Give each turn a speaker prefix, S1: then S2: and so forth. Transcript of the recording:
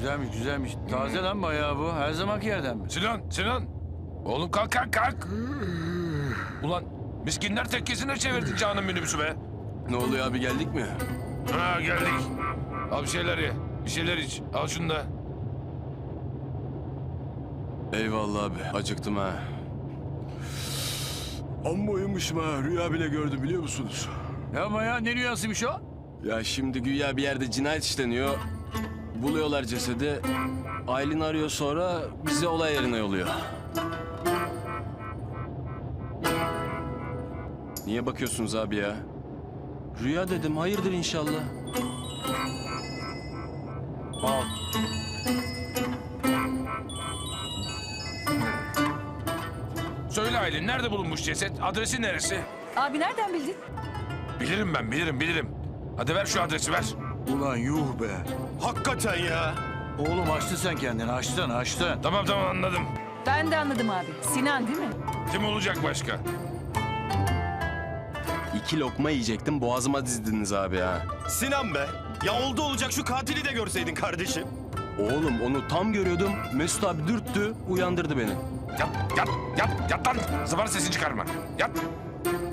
S1: Güzelmiş güzelmiş. Taze lan bayağı bu. Her zamanki yerden mi?
S2: Sinan. Oğlum kalk kalk. Ulan miskinler tekkesine çevirdin canım minibüsü be.
S3: Ne oluyor abi, geldik mi?
S2: Ha geldik. Al bir şeyler ye. Bir şeyler iç. Al şunu da.
S3: Eyvallah abi, acıktım ha. Amma uyumuşum ha, rüya bile gördüm biliyor musunuz?
S1: Ya ya ne rüyasıymış o?
S3: Ya şimdi güya bir yerde cinayet işleniyor. Buluyorlar cesedi. Aylin arıyor, sonra bizi olay yerine yolluyor. Niye bakıyorsunuz abi ya? Rüya dedim, hayırdır inşallah.
S1: Al.
S2: Söyle Aylin, nerede bulunmuş ceset? Adresi neresi?
S4: Abi nereden bildin?
S2: Bilirim ben, bilirim. Hadi ver şu adresi ver.
S1: Ulan yuh be.
S3: Hakikaten ya.
S1: Oğlum açtın sen kendini. Açtın.
S2: Tamam anladım.
S4: Ben de anladım abi. Sinan değil mi?
S2: Kim olacak başka?
S3: 2 lokma yiyecektim, boğazıma dizdiniz abi ha.
S5: Sinan be. Ya oldu olacak şu katili de görseydin kardeşim.
S3: Oğlum onu tam görüyordum. Mesut abi dürttü, uyandırdı beni.
S2: Yat lan. Zıbar sesini çıkarma. Yat.